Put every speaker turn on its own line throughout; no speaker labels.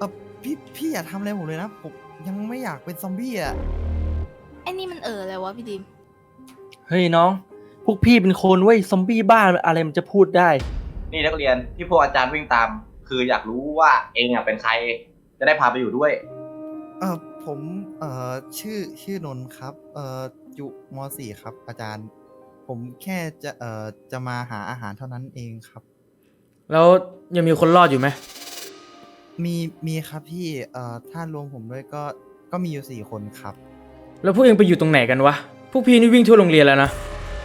อพี่อย่าทำอะไรผมเลยนะผมยังไม่อยากเป็นซอมบี้อ่ะ
ไอ้นี่มันอะไรวะพี่ดิม
เฮ้ยน้อง พวกพี่เป็นคนเว้ยซอมบี้บ้าอะไรมันจะพูดได้
นี่นักเรียนที่พวกอาจารย์วิ่งตาม คืออยากรู้ว่าเองเป็นใครจะได้พาไปอยู่ด้วย
ผมชื่อนนท์ครับอยู่ม .4 ครับอาจารย์ผมแค่จะมาหาอาหารเท่านั้นเองครับ
แล้วยังมีคนรอดอยู่ไหม
มีครับพี่ถ้ารวมผมด้วยก็มีอยู่4 คนครับ
แล้วพวกเองไปอยู่ตรงไหนกันวะ พวกพี่นี่วิ่งทั่วโรงเรียนแล้วนะ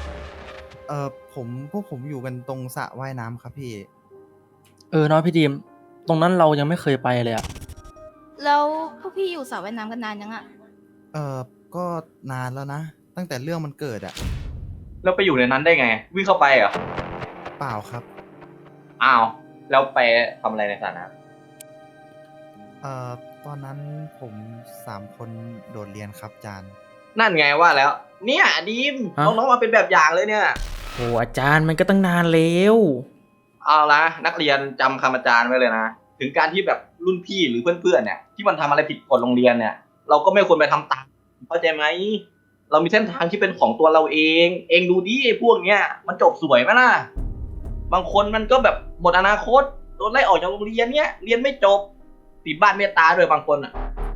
พวกผมอยู่กันตรงสระว่ายน้ำครับพี่
น้องพี่ดีมตรงนั้นเรายังไม่เคยไปเลยอะ
แล้วพวกพี่อยู่สระว่ายน้ำกันนานยังอะ
ก็นานแล้วนะ ตั้งแต่เรื่องมันเกิดอะ
แล้วไปอยู่ในนั้นได้ไง วิ่งเข้าไปเหรอ
เปล่าครับ
อ้าวแล้วไปทำอะไรในสระน้
ตอนนั้นผม3 คนโดดเรียนครับอาจารย์
ำนั่นไงว่าแล้ว เนี่ยดีม
ฮะ
น้องๆมาเป็นแบบอย่างเลยเนี่ย
โอ้อาจารย์มันก็ตั้งนานแล้ว
เอาละนักเรียนจำคำอาจารย์ไว้เลยนะ ถึงการที่แบบรุ่นพี่หรือเพื่อนๆเนี่ยที่มันทำอะไรผิดกฎโรงเรียนเนี่ย เราก็ไม่ควรไปทำตามเข้าใจไหมเรามีเส้นทางที่เป็นของตัวเราเอง เองดูดิไอ้พวกเนี้ยมันจบสวยไหมล่ะบางคนมันก็แบบหมดอนาคตโดนไล่ออกจากโรงเรียนเนี้ยเรียนไม่จบติดบ้านเมตตาด้วยบางคนอ่ะ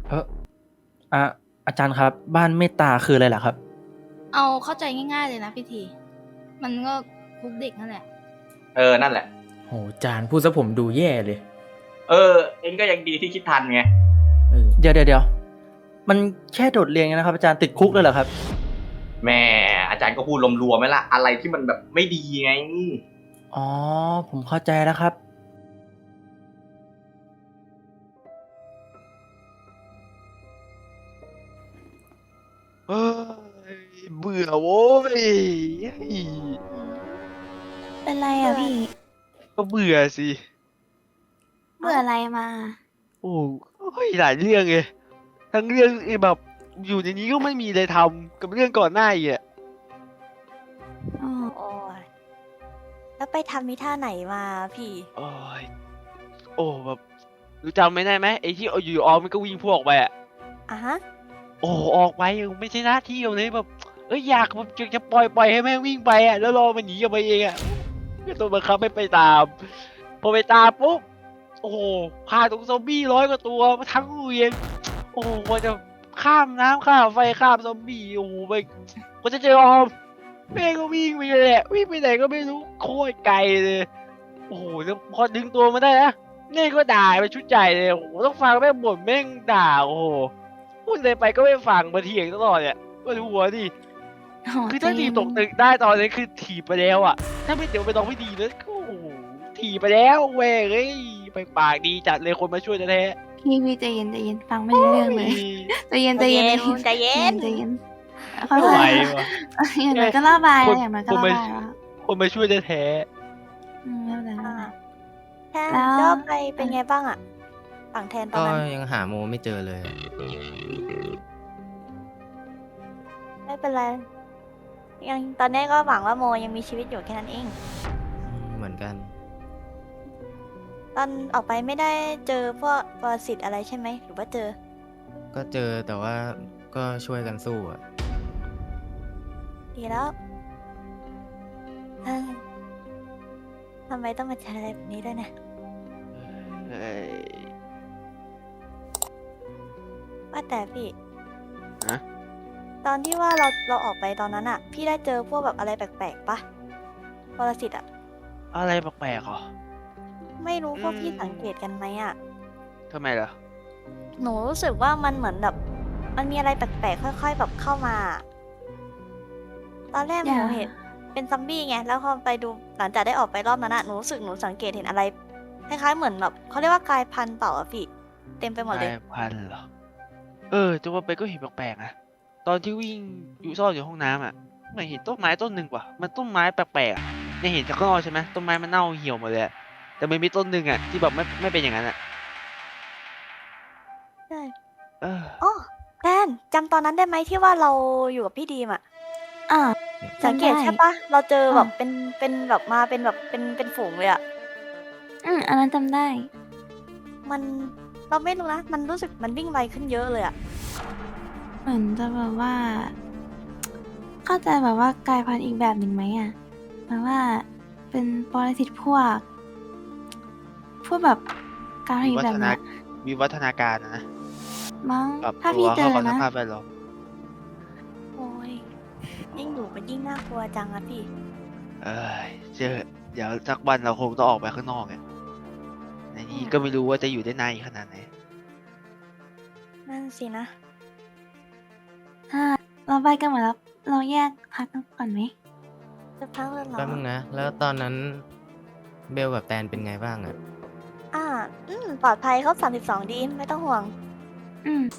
อาจารย์ครับ บ้านเมตตาคืออะไรล่ะครับ
เอาเข้าใจง่ายๆเลยนะพี่ที มันก็คุกเด็กนั่นแหละ
นั่นแหละ
โหอาจารย์พูดซะผมดูแย่เลย
เองก็ยังดีที่คิดทันไง
เดี๋ยวมันแค่โดดเรียนนะครับอาจารย์ติดคุกเลยเหรอครับ
แม่อาจารย์ก็พูดรวมๆไหมล่ะอะไรที่มันแบบไม่ดีไง
อ๋อผมเข้าใจแล้วครับ
เฮ้ยเบื่อโว้ย
เป็นไรอ่ะพี่
ก็เบื่อสิ
เบื่ออะไรมา
โอ้ยหลายเรื่องเลยทั้งเรื่องแบบอยู่ในนี้ก็ไม่มีอะไรทำกับเรื่องก่อนหน้าอีกอ่ะ
โอ้ยแล้วไปทำมิท่าไหนมาพี่
โอ้ยโอ้แบบรู้จำไม่ได้ไหมไอ้ที่อยู่ออกมันก็วิ่งพวกไปอ่ะ
อ่ะฮะ
โอ้ออกไปไม่ใช่หน้าที่ของเลยแบบอยากแบบจะปล่อยให้แม่งวิ่งไปอ่ะแล้วรอมันหนีออกไปเองอ่ะก็ต้องบังคับให้ไปตามพอไปตามปุ๊บโอ้โหฆ่าตรงซอมบี้100 กว่าตัวมาทั้งโรงเรียนโอ้โหกว่าจะข้ามน้ำข้ามไฟข้ามซอมบี้โอ้โหไปกว่าจะเจอออมแม่งก็วิ่งไปเลยแหละวิ่งไปไหนก็ไม่รู้โคตรไกลเลยโอ้โหแล้วพอดึงตัวมาได้นะเน่ก็ด่าไปชุดใหญ่เลยโอ้โหต้องฟังแม่งบ่นแม่งด่าโอ้โหพูดอะไรไปก็ไม่ฟังมาเถียงตลอดเนี่ยมาดูหัวดิ คือถ้าถีบตกตึกได้ตอนนี้คือถีบไปแล้วอ่ะ ถ้าไม่เดี๋ยวไปต้องไม่ดีนะโอ้โหถีบไปแล้วเว้ยเฮ้ยไปปากดีจัดเลยคนมาช่วยแท้
พี่ใจเย็นฟังไม่รู้เรื่องเลยใจเย็น
ใจเย็น
ใจเย็นค่อ
ไม่ไหวย
ๆอย่างน้อยก็ระบายอะอย่างน้อยก็ระบายแล้ว
คนมาช่วยแท้
ไม่เป็นไร
แทน
แล้ว
ก็ไปเป็นไงบ้างอะฝั่งแทนตอน
ก็
นั้น
ยังหาโมไม่เจอเลย
ไม่เป็นไรยังตอนนี้ก็หวังว่าโมยังมีชีวิตอยู่แค่นั้นเอง
เหมือนกัน
ตอนออกไปไม่ได้เจอพวกปรสิตอะไรใช่ไหมหรือว่าเจอ
ก็เจอแต่ว่าก็ช่วยกันสู้อะ
ดีแล้วเฮ้ยทำไมต้องมาเจออะไรแบบนี้ด้วยเนี่ย
ๆเอ้ย
ว่าแต่พี่
ฮะ
ตอนที่ว่าเราออกไปตอนนั้นอะพี่ได้เจอพวกแบบอะไรแปลกๆปะปรสิตอะ
อะไรแปลกๆเหรอ
ไม่รู้พวกพี่
อืม
สังเกตกันไหมอะ
ทำไมล่ะ
หนูรู้สึกว่ามันเหมือนแบบมันมีอะไรแปลกๆค่อยๆแบบเข้ามา ตอนแรกหนูเห็นเป็นซอมบี้ไงแล้วพอไปดูหลังจากได้ออกไปรอบนั้นอะหนูรู้สึกหนูสังเกตเห็นอะไรคล้ายๆเหมือนแบบเขาเรียกว่ากลายพันธุ์เปล่าอะพี่เต็มไปหมดเลย
กลายพันธุ์เหรอ จะว่าไปก็เห็นแปลกๆนะ ตอนที่วิ่งอยู่ซ่อนอยู่ห้องน้ำอ่ะไม่เห็นต้นไม้ต้นหนึ่งว่ะ มันต้นไม้แปลกๆอะเนี่ยเห็นจากข้างนอกใช่ไหมต้นไม้มันเน่าเหี่ยวหมดเลยอะแต่มันมีต้นหนึ่งอ่ะที่แบบไม่เป็นอย่างนั้นอ่ะ
ใช่
เออ
อ๋อแทนจำตอนนั้นได้ไหมที่ว่าเราอยู่กับพี่ดีมอะ
อ่ะ
สังเกต
จำได้
ใช่ปะเราเจอแบบ
อ่ะ
เป็นแบบมาเป็นแบบเป็นฝูงเลยอะ
อันนั้นจำได้
มันเราไม่รู้นะ มันรู้สึกมันวิ่งไวขึ้นเยอะเลยอะ
เหมือนจะแบบว่า เข้าใจแบบว่ากลายพันธุ์อีกแบบหนึ่งไหมอ่ะแบบว่าเป็นปรสิตพวกแบบการพันธุ์อีกแบบเนี้ย
วิวัฒนาการนะ
มั้ง
ปรับ
ถ้า
ตั
พี่
ว
เจ
เข้า
อ
กับส
นะ
ภาพแวดล้อม
โอ้ยยิ่งอยู่มันยิ่งน่ากลัวจังอะพี่
เอ้ยเดี๋ยวสักวันเราคงต้องออกไปข้างนอกไงในนี้ก็ไม่รู้ว่าจะอยู่ได้นานอีกขนาดไหน
นั่นสินะ
ถ้าเราไปกันหมดแล้วเราแยกพักกันก่อนไหม
จะพักเลยเหรอ
แป๊บนึงนะ แล้วตอนนั้นเบลกับแตนเป็นไงบ้างอะ
ปลอดภัยครบ32ดีไม่ต้องห่วง
อืม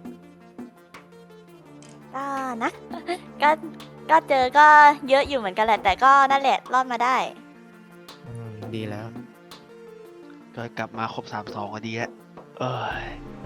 ก็นะ ก็เจอก็เยอะอยู่เหมือนกันแหละ แต่ก็นั่นแหละรอดมาได้
ดีแล้ว
ก็กลับมาครบ32ก็ดีแล้วเอ้ย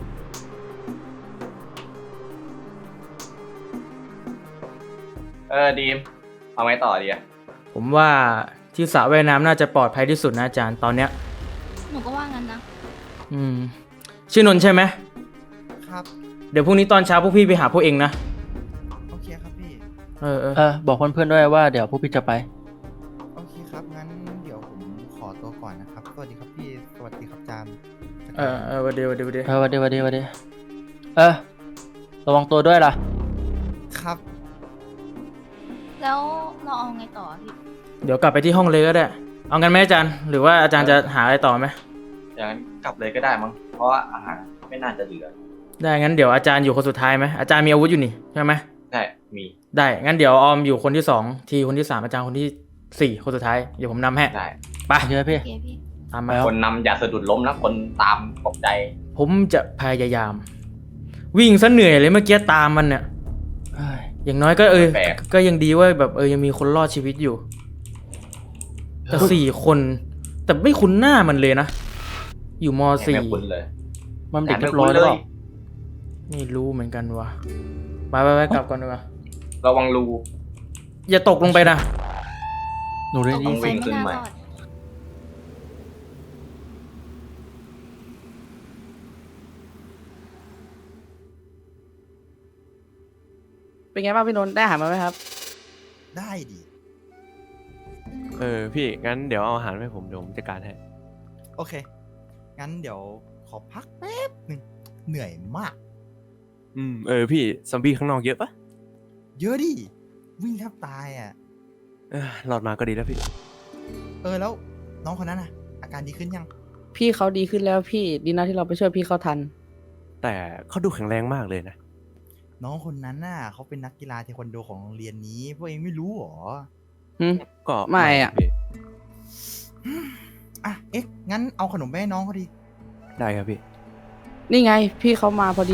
ดีมเอาไงต่อดีอะ
ผมว่าที่สระว่ายน้ำน่าจะปลอดภัยที่สุดนะอาจารย์ตอนเนี้ย
หนูก็ว่างั้นนะ
ชื่อนนท์ใช่ไหม
ครับ
เดี๋ยวพรุ่งนี้ตอนเช้าพวกพี่ไปหาพวกเองนะ
โอเคครับพี่
บอกเพื่อนๆด้วยว่าเดี๋ยวพวกพี่จะไป
โอเคครับ งั้นเดี๋ยวผมขอตัวก่อนนะครับ สวัสดีครับพี่ สวัสดีครับอาจารย์
วันเดียว
วันดีระวังตัวด้วยล่ะ
ครับ
แล้วเราเอาไงต่อพี่
เดี๋ยวกลับไปที่ห้องเลยก็ได้ เอางั้นไหมอาจารย์ หรือว่าอาจารย์จะหาอะไรต่อไหม
อย่างนั้นกลับเลยก็ได้มั้ง เพราะว่าอาหารไม่น่าจะเหลือ
ได้งั้นเดี๋ยวอาจารย์อยู่คนสุดท้ายไหมอาจารย์มีอาวุธอยู่นี่ใช่ไหม
ใช่ มี
ได้งั้นเดี๋ยวออมอยู่คนที่2ทีคนที่3อาจารย์คนที่4คนสุดท้ายเดี๋ยวผมนำให้
ได้
ไป
โอเคพี่
โอเคพี่
ตามมา
คนนำอย่าสะดุดล้มนะ คนตามตกใจ
ผมจะพยายาม วิ่งซะเหนื่อยเลยเมื่อกี้ตามมันเนี่ยเอ้ยอย่างน้อยก็
แปลก
ก็ยังดีว่าแบบยังมีคนรอดชีวิตอยู่ แต่4 คน แต่ไม่คุ้นหน้ามันเลยนะ อยู่ม
ไม่
.4
คุ้นเลย
มันเด็กเรียบร้อยแล้วเปล่า
ไม่รู้เหมือนกันว่ะไปกลับก่อนดีกว่า
ระวังรู
อย่าตกลงไปนะ
หนูได้
ตก
ยิ
ล
น
ง
เสี
ไป
ยง
ไม่น่ารอด
เป็นไงบ้างพี่นนท์ได้อาหารมาไหมครับ
ได้ดิ
พี่งั้นเดี๋ยวเอาอาหารให้ผมเดี๋ยวผมจัดการให้
โอเค งั้นเดี๋ยวขอพักแป๊บหนึ่งเหนื่อยมาก
พี่ซอมบี้ข้างนอกเยอะปะ
เยอะดิ วิ่งแทบตายอ่ะ
รอดมาก็ดีแล้วพี่
แล้วน้องคนนั้นอ่ะ อาการดีขึ้นยัง
พี่เขาดีขึ้นแล้วพี่ดีนะที่เราไปช่วยพี่เขาทัน
แต่เขาดูแข็งแรงมากเลยนะ
น้องคนนั้นน่ะเขาเป็นนักกีฬาเทควันโดของโรงเรียนนี้ พวกเองไม่รู้หรอ
ก็
ไม่อะ
พี่
งั้นเอาขนมไปให้น้องเขาดี
ได้ครับพี่
นี่ไงพี่เขามาพอดี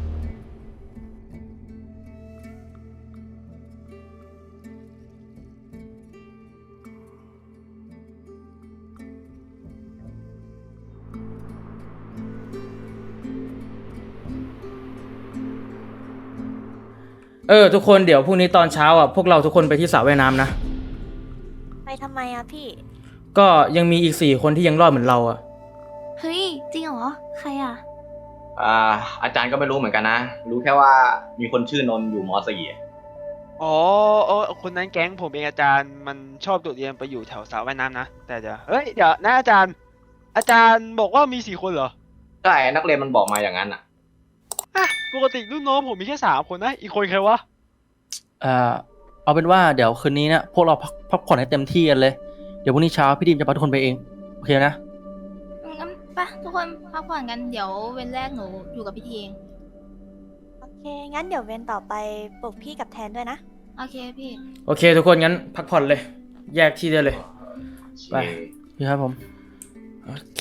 ทุกคนเดี๋ยวพรุ่งนี้ตอนเช้าพวกเราทุกคนไปที่สระว่ายน้ำนะ
ไปทำไมอะพี่
ก็ยังมีอีก4 คนที่ยังรอดเหมือนเรา
เฮ้ย จริงเหรอ ใครอ่ะ
อาจารย์ก็ไม่รู้เหมือนกันนะ รู้แค่ว่ามีคนชื่อนนท์อยู่ม .4
อ๋อคนนั้นแก๊งผมเองอาจารย์มันชอบโดดเรียนไปอยู่แถวสระว่ายน้ำนะ แต่เดี๋ยวนะอาจารย์บอกว่ามี4 คนเหรอ
ใช่นักเรียนมันบอกมาอย่างนั้นอ่ะ
ปกติรุ่นน้องผมมีแค่3 คนนะ อีกคนใครวะ
เอาเป็นว่าเดี๋ยวคืนนี้นะพวกเราพักผ่อนให้เต็มที่กันเลย เดี๋ยวพรุ่งนี้เช้าพี่ดิมจะพาทุกคนไปเอง โอเคนะ
งั้นไปทุกคนพักผ่อนกัน เดี๋ยวเว้นแรกหนูอยู่กับพี่ทีเอง
โอเค งั้นเดี๋ยวเวนต่อไปปลุกพี่กับแทนด้วยนะ
โอเคพี่
โอเค ทุกคนงั้นพักผ่อนเลย แยกที่ได้เลย ไป
พี่ครับผม
โอเค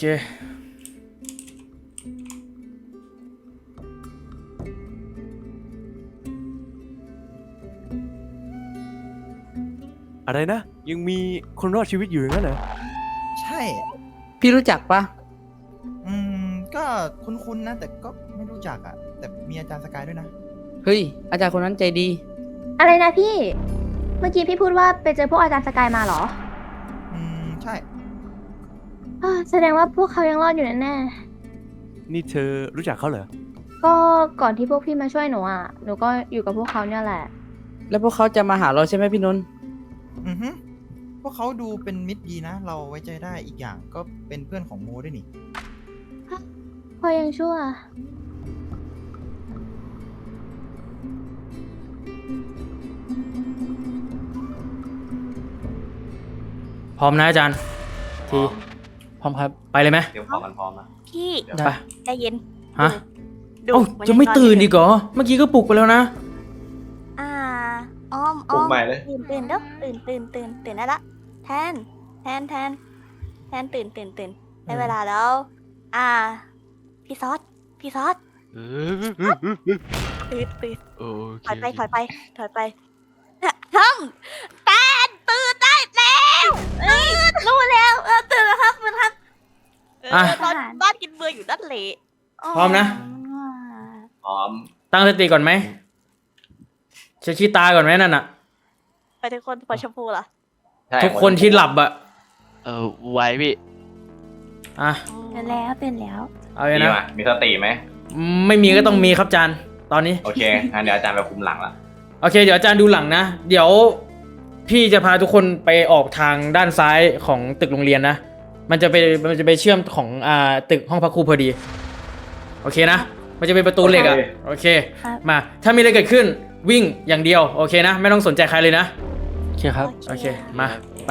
อะไรนะ ยังมีคนรอดชีวิตอยู่อย่างนั้นเหรอ
ใช่
พี่รู้จักปะ
ก็คุ้นๆนะ แต่ก็ไม่รู้จักอ่ะ แต่มีอาจารย์สกายด้วยนะ
เฮ้ยอาจารย์คนนั้นใจดี
อะไรนะพี่ เมื่อกี้พี่พูดว่าไปเจอพวกอาจารย์สกายมาเหรอ
ใช่
แสดงว่าพวกเขายังรอดอยู่แน่
นี่เธอรู้จักเขาเหรอ
ก็ก่อนที่พวกพี่มาช่วยหนูอ่ะ หนูก็อยู่กับพวกเขาเนี่ยแหละ
แล้วพวกเขาจะมาหาเราใช่ไหมพี่นนท์
อือฮึพวกเขาดูเป็นมิตรดีนะ เราไว้ใจได้อีกอย่างก็เป็นเพื่อนของโมด้วยนี่
พอยังชั่ว
พร้อมนะอาจารย์ ที
พร้อมครับ
ไปเลยไหม
เตรียมของกันพร้อมนะ
พี่
ไป
ใจเย็น
ฮะ
ดู
เอ้า
มัน
จะไม่
นอน
ตื่น
ยู่
อีกเหรอ เมื่อกี้ก็ปลุกไปแล้วนะ
อ่าอ้อม
ปลุกใหม่เลย
ตื่นเด้อตื่นได้ละแทนตื่นได้เวลาแล้ว พี่ซอสตื่น
โอเค
ถอยไปทำแทนตื่นได้แล้วรู้แล้วตื่นแล้วครับคุณครับ
อ่ะ
นอนบ้านกินเบื่ออยู่นั่นแหละ
พร้อมนะ
พร้อม
ตั้งสติก่อนไหมเช็ดขี้ตาก่อนไหมนั่นน่ะ
ไปทุกคนพอชมพูล่ะ
ใช่
ทุกคนที่หลับอะ
ไว้พี่
อ่ะ
ตื่นแล้ว
เอาเลย
มี
นะ
ไหมมีสติไหม
ไม่มีก็ต้องมีครับอาจารย์ ตอนนี้
โอเคงั้นเดี๋ยวอาจารย์ไปคุมหลังละ
โอเค เดี๋ยวอาจารย์ดูหลังนะ เดี๋ยวพี่จะพาทุกคนไปออกทางด้านซ้ายของตึกโรงเรียนนะ มันจะไปเชื่อมของตึกห้องพักครูพอดี โอเคนะ มันจะเป็นประตูเหล็กอะโอเค
ครับ
มา ถ้ามีอะไรเกิดขึ้นวิ่งอย่างเดียว โอเคนะ ไม่ต้องสนใจใครเลยนะ
โอเคครับ
โอเค มา ไป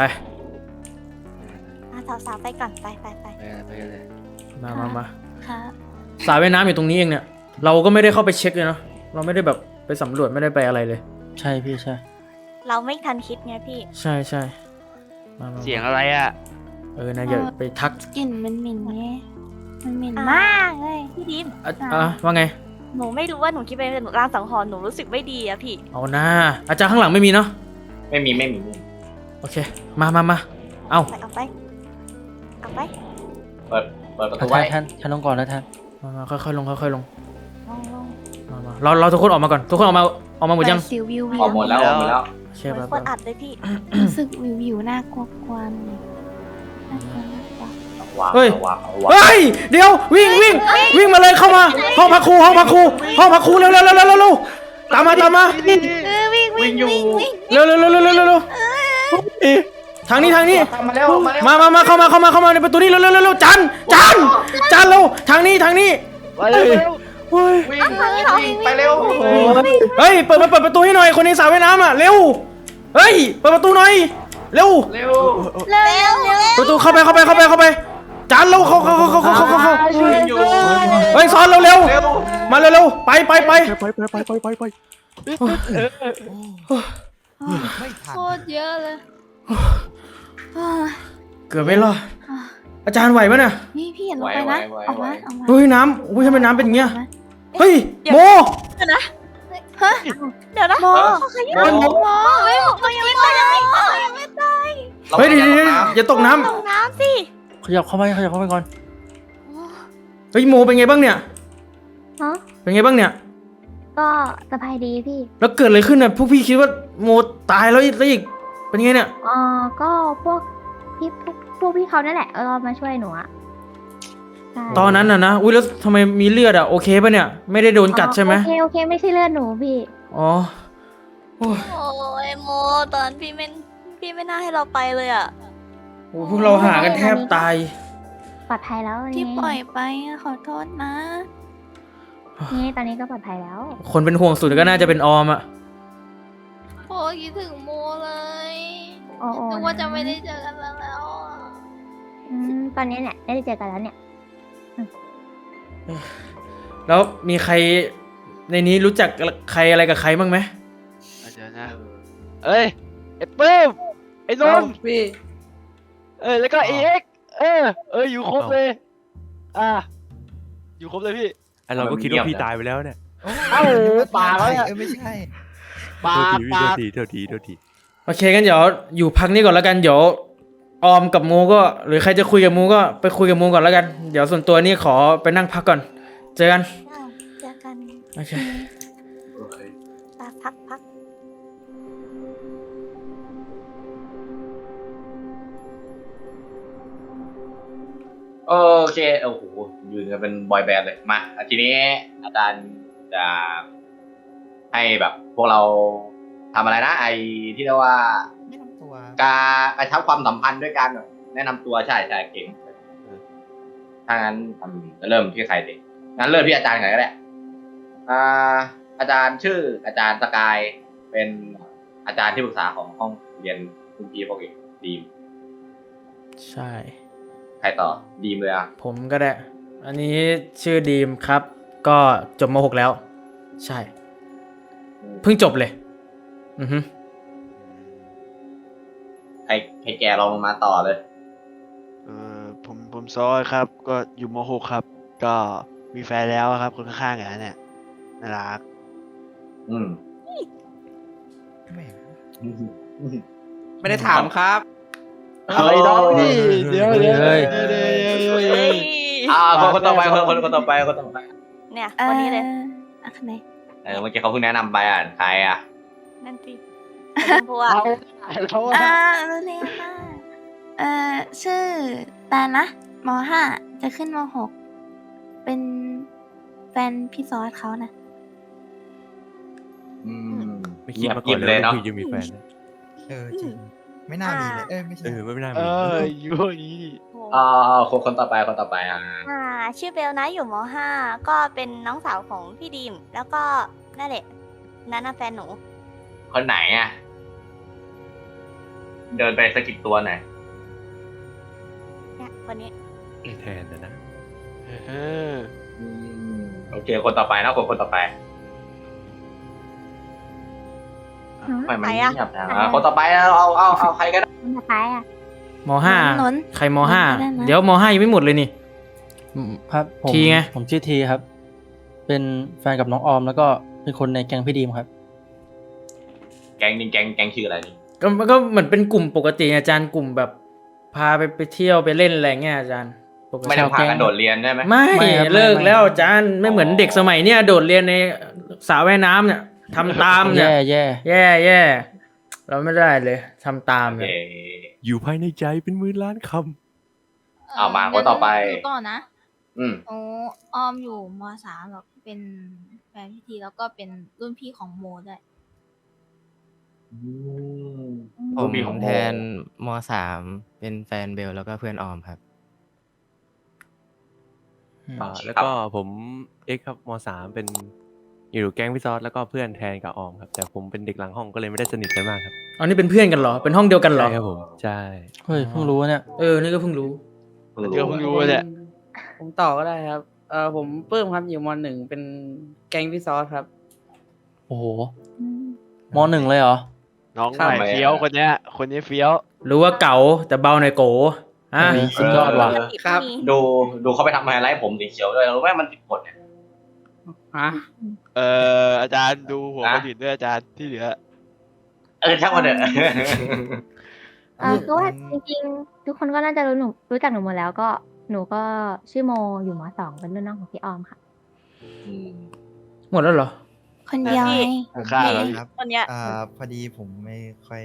สาวๆไปก่อนไป
ไปกันเลย
มา
ครับ
สระว่ายน้ำอยู่ตรงนี้เองเนี่ย เราก็ไม่ได้เข้าไปเช็คเลยเนาะ เราไม่ได้แบบไปสำรวจไม่ได้ไปอะไรเลย
ใช่พี่ใช่
เราไม่ทันคิดไงพี่
ใช่มา
เสียงอะไรอ่ะ
นะอย่าไปทัก
กลิ่นมันเหม็นไงมันเหม็น
อ่ะ
มากเลย
พี่ดิม
ว่าไง
หนูไม่รู้ว่าหนูคิดเป็นรางสังหรณ์หนูรู้สึกไม่ดีอะพี่
เอาหน้าอาจารย์ข้างหลังไม่มีเนาะ
ไม่มี
โอเค มา เอา
เอาไป
เปิดประตูไว้
ท่านต้องก่อนนะท่าน
มาค่อยๆลง
ลง
เราทุกคนออกมาก่อน ทุกคนออกมาหมดยัง
สิววิว
ออกหมดแล้ว
โอเค
เหมือน
ไป
คนอัดเลยพี่
รู้สึกวิวน่ากลัวกวนน่ากลัว
เฮ้ย
วาง
เฮ้ย เดี๋ยววิ่งมาเลยเข้ามา ห้องพักครูเร็วตามมา
วิ่งอยู่
เร็วทางนี้
มาแล้ว
มาเข้ามาในประตูนี้เร็วจานเร็วทางนี้
ไปเร็ว
วิ่งไปเร็ว
เฮ้ยเปิดประตูให้หน่อยคนในสระว่ายน้ำอ่ะเร็วเฮ้ยเปิดประตูหน่อยเร็วประตูเข้าไปจานเร็วเข้า
วิ่งอยู่
เฮ้ยซ้อนเร็วมาเร็วไป
ไป
ไม่ทัน
โคตรเยอะเลย
เกือบไม่รอดอาจารย์ไหวปะเนี่ย
นี่พี่อย่าลงไปนะออกมา
เฮ้ยน้ำอุ้ยทำไมน้ำเป็นอย่างเงี้ยเฮ้ยโม
เดี๋ยวนะ
โม
เขายังไม่ตาย
เฮ้ยเดี๋ยวอย่าตกน้
ลงน้ำสิ
ขยับเข้าไปก่อน
ำเฮ้ยโมเป็นไงบ้างเนี่ย
ฮะ
เป็นไงบ้างเนี่ย
ก็สบายดีพี่
แล้วเกิดอะไรขึ้นน่ะพวกพี่คิดว่าโมตายแล้วอีกเป็นไงเนี่ย
ก็พวกพี่เขานั่นแหละมาช่วยหนูอะใช่
ตอนนั้นนะอุ้ยแล้วทำไมมีเลือดอ่ะโอเคปะเนี่ยไม่ได้โดนกัดใช่ไหม
โอเคไม่ใช่เลือดหนูพี่
อ๋อโอ้ย
โอ้ยโมตอนพี่ไม่น่าให้เราไปเลยอะ
โอ้ยพวกเราหากันแทบตาย
ปลอดภัยแล้ว
ที่ปล่อยไปขอโทษนะ
นี่ตอนนี้ก็ปลอดภัยแล้ว
คนเป็นห่วงสุดก็น่าจะเป็นออมอ่ะ
โอ้คิดถึงโมเลย
โอ้
นึกว่าจะไม่ได้เจอกันแล้ว
ตอนนี้เนี่ยได้เจอกันแล้วเนี่ย
แล้วมีใครในนี้รู้จักใครอะไรกับใครบ้างไหม
เดี๋ยวนะเอ้ยไอ้ปื้มไอ้นนท์
พี่
แล้วก็เอ็กอยู่ครบเลย อยู่ครบเลยพี่
เราก็คิดว่าพี่ตายไปแล้วเนี่ย
ป่าแล้ว
ไม่ใช่
ป่า
โทษที
โอเคงั้นเดี๋ยวอยู่พักนี้ก่อนแล้วกันเดี๋ยวออมกับโมก็หรือใครจะคุยกับโมก็ไปคุยกับโมก่อนแล้วกันเดี๋ยวส่วนตัวนี่ขอไปนั่งพักก่อนเจอกัน
เจอกัน
โอเค
พัก
โอเคโอ้โหยืนกันเป็นบอยแบนด์เลยมาทีนี้อาจารย์จะให้แบบพวกเราทำอะไรนะไอที่เรียกว่า
แนะนำตัว
การกระชับความสัมพันธ์ด้วยกันแนะนำตัวใช่เก่งถ้างั้นจะเริ่มที่ใครดีงั้นเริ่มที่อาจารย์ก่อนก็ได้อาจารย์ชื่ออาจารย์สกายเป็นอาจารย์ที่ปรึกษาของห้องเรียนคุณพี่พวกเองดีม
ใช่
ใครต่อดีมเลยอ่ะ
ผมก็ได้ อันนี้ชื่อดีมครับ ก็จบม .6 แล้ว ใช่ เพิ่งจบเลย อือฮึ
ให้แกลองลงมาต่อเลย
ผมซอยครับ ก็อยู่ม .6 ครับ ก็มีแฟนแล้วครับคนข้างๆกันเนี่ยน่ารัก
แหม
ไม่ได้ถามครับ
อะไรน้องนี่เดี๋ยว
คนต่อไปคนต่อไป
เนี่ยวันนี้เลย
อ่ะคนไหน
เมื่อกี้เขาเพิ่งแนะนำไปใครอ่ะ
นั่นสิชมพูอะ
เขา
รู้เร็วมากชื่อแตนนะม .5 จะขึ้นม .6 เป็นแฟนพี่ซอสเขานะ
ไม่คิดมาก่อนเลยว่าพี่จะมีแฟนนะ
จริงไม่น่ามีเลยไม่ใช่
ไม่น่ามี
อยู่นี่
คนต่อไป
ชื่อเบลนะอยู่ม .5 ก็เป็นน้องสาวของพี่ดีม แล้วก็นั่นแหละนั่นน่ะแฟนหนู
คนไหนอ่ะเดินไปสะกิดตัวหน่อย
เนี่ยคนนี้
แทนนะ
โอเคคนต่อไปนะคนต่อไปไม่เงียบนะคนต่อไปเอาใครก็ได้
คนสุดท้ายอ่ะ
ม .5 ใครม .5 เดี๋ยวม .5 ยังไม่หมดเลยนี่
ครับผม
ทีไง
ผมชื่อทีครับ เป็นแฟนกับน้องออมแล้วก็เป็นคนในแก๊งพี่ดีมครับ
แก๊งชื่ออะไรนี่
ก็เหมือนเป็นกลุ่มปกติอาจารย์กลุ่มแบบพาไปเที่ยวไปเล่นอะไรเงี้ยอาจารย์ปกติ
ไม่ได้พากันโดดเรียนใช่ไหม
ไม่
ครับ
เลิกแล้วอาจารย์ไม่เหมือนเด็กสมัยเนี้ยโดดเรียนในสระว่ายน้ำเนี่ยทำตามเนี่ย
แย่
เราไม่ได้เลยทำตามเนี่ย
อยู่ภายในใจเป็น10,000 ล้านค
เอามาคนต่อไป
ก่อนนะ
โอ้
ออมอยู่ม .3 แล้วเป็นแฟนพี่ทีแล้วก็เป็นรุ่นพี่ของโมด้วย
ผมแทนม .3 เป็นแฟนเบลแล้วก็เพื่อนออมครับ
แล้วก็ผมเอ็กครับม.3 เป็นอยู่แก๊งพี่ซอสแล้วก็เพื่อนแทนกับออมครับแต่ผมเป็นเด็กหลังห้องก็เลยไม่ได้สนิทกันมากครับ
อ๋อนี่เป็นเพื่อนกันเหรอเป็นห้องเดียวกันเหรอ
ใช่ครับผมใช่
เฮ้ยเพิ่งรู้เนี่ย
นี่ก็เพิ่งรู้
เดี๋ยวเพิ่งรู้เนี่ย
ผมต่อก็ได้ครับ ผมเพิ่มครับอยู่ม .1 เป็นแก๊งพี่ซอสครับ
โอ้โหม .1 เลยเหรอ
น้องใหม่เฟี้ยวคนนี้เฟี้ยว
รู้ว่าเก๋าแต่เบาในอยโกอ่ะ
สุดยอดว่ะ
ครับ
ดูเขาไปทำไฮไลท์ผมสีเขียวด้วยรู้ไหมมันผิดกฎเนี่ย
อาจารย์ดูหัวคนอื่นด้วยอาจารย์ที่เหลือ
ช่างมันเถอะ
ก็ว่าจริงๆทุกคนก็น่าจะรู้จักหนูหมดแล้วก็หนูก็ชื่อโมอยู่ม .2 เป็นรุ่นน้องของพี่ออมค่ะ
หมดแล้วเหรอ
คนเดียวไง
ฆ่าแล้ว
ครับ
คนเนี้ย
พอดีผมไม่ค่อย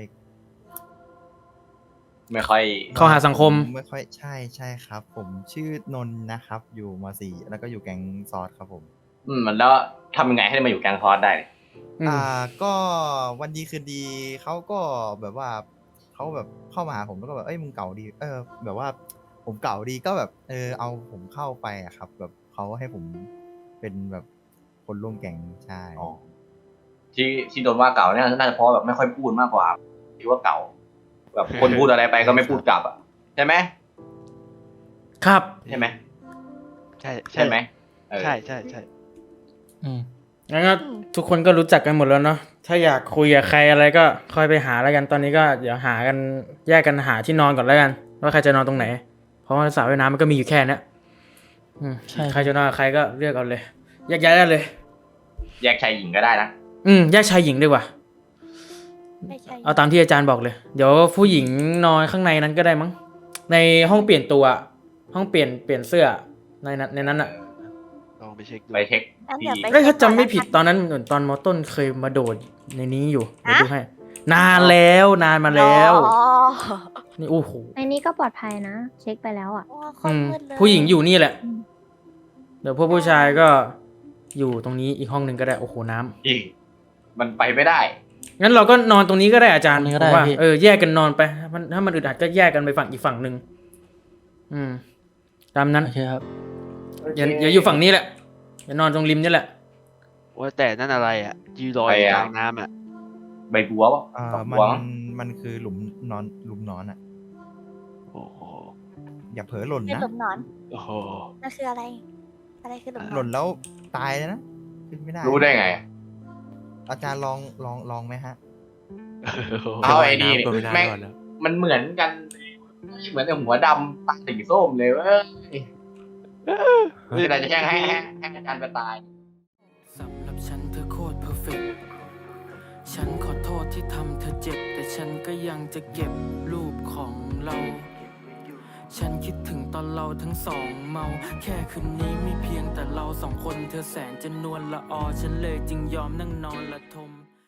เข้าหาสังคม
ไม่ค่อยใช่ครับ ผมชื่อนนท์นะครับ อยู่ม .4 แล้วก็อยู่แก๊งซอสครับผม
มันแล้วทำยังไงให้มาอยู่แก๊งคอร์สได้
ก็วันดีคืนดีเขาก็แบบว่าเขาแบบเข้ามาหาผมแล้วก็แบบมึงเก่าดีแบบว่าผมเก่าดีก็แบบเอาผมเข้าไปอะครับ แบบเขาให้ผมเป็นแบบคนร่วมแก๊งใช่
ที่โดนว่าเก่าเนี่ยน่าจะเพราะแบบไม่ค่อยพูดมากกว่าที่ว่าเก่า แบบคนพูดอะไรไปก็ไม่พูดกลับอ่ะใช่ไหม
ครับ
ใช่ไหม
ใช่
ไหม
ใช่
งั้นก็ทุกคนก็รู้จักกันหมดแล้วเนาะถ้าอยากคุยกับใครอะไรก็ค่อยไปหาแล้วกันตอนนี้ก็เดี๋ยวหากันแยกกันหาที่นอนก่อนแล้วกันว่าใครจะนอนตรงไหน เพราะว่าสระว่ายน้ำมันก็มีอยู่แค่นี้
ใช่
ใครจะนอนกับใครก็เลือกเอาเลยแยกย้ายได้เลย
แยกชายหญิงก็ได้นะ
แยกชายหญิงดีกว่าเอาตามที่อาจารย์บอกเลยเดี๋ยวผู้หญิงนอนข้างในนั้นก็ได้มั้งในห้องเปลี่ยนตัวห้องเปลี่ยนเสื้อในนั้นอ่ะ
ลองไปเช็คดู
ไปเช็ค
ถ้าจำไม่ผิดตอนนั้นเหมือนตอนม.ต้นเคยมาโดดในนี้อยู่เดี๋ยวดูให้นานมาแล้วนี่โอ้โห
ในนี้ก็ปลอดภัยนะ เช็คไปแล้วอ่ะ
ว้าคนมืดเลย
ผู้หญิงอยู่นี่แหละ เดี๋ยวพวกผู้ชายก็อยู่ตรงนี้อีกห้องหนึ่งก็ได้โอ้โหน้ำ
อีกมันไปไม่ได้
งั้นเราก็นอนตรงนี้ก็ได้อาจารย์
ตรงนี้ก็ได้
ผมว่า
พี่
แยกกันนอนไปถ้ามันอึดอัดก็แยกกันไปฝั่งอีกฝั่งหนึ่งตามนั้น
โอเคครับ
อย่าอยู่ฝั่งนี้แหละอย่านอนตรงริมนี่แหละ
ว่าแต่นั่นอะไรอ่ะยืนลอย
ไป
อยู่
อะ
กลางน้ำอ่ะ
ใบบัวปะดอก
มั
บัว
มันคือหลุมนอนอ่ะ
โอ้โห
อย่าเผลอหล่น
เป็น
นะ
หลุมนอน
โอ้โห
นั่นคืออะไร อะไรคือหลุมน
ห
อ
ล่
น
นแล้วตายเลยนะขึ้นไม่ได้
รู้ได้ไง
อาจารย์ลองไหมฮะ
เอาไอ้นี่
ก็ไม่น่า
แม่ง
รอดแล้ว
มันเหมือนกันเหมือนกับหัวดำตาสีส้มเลยเว้ยคืออะไรจะแค่ให้อาจารย์ไปตาย
สำหรับฉันเธอโคตรเพอร์เฟกต์ฉันขอโทษที่ทำเธอเจ็บแต่ฉันก็ยังจะเก็บรูปของเรา ฉันคิดถึงตอนเราทั้งสองเมาแค่คืนนี้มีเพียงแต่เราสองคนเธอแสนจะนวลละออฉันเลยจึงยอมนั่งนอนละทม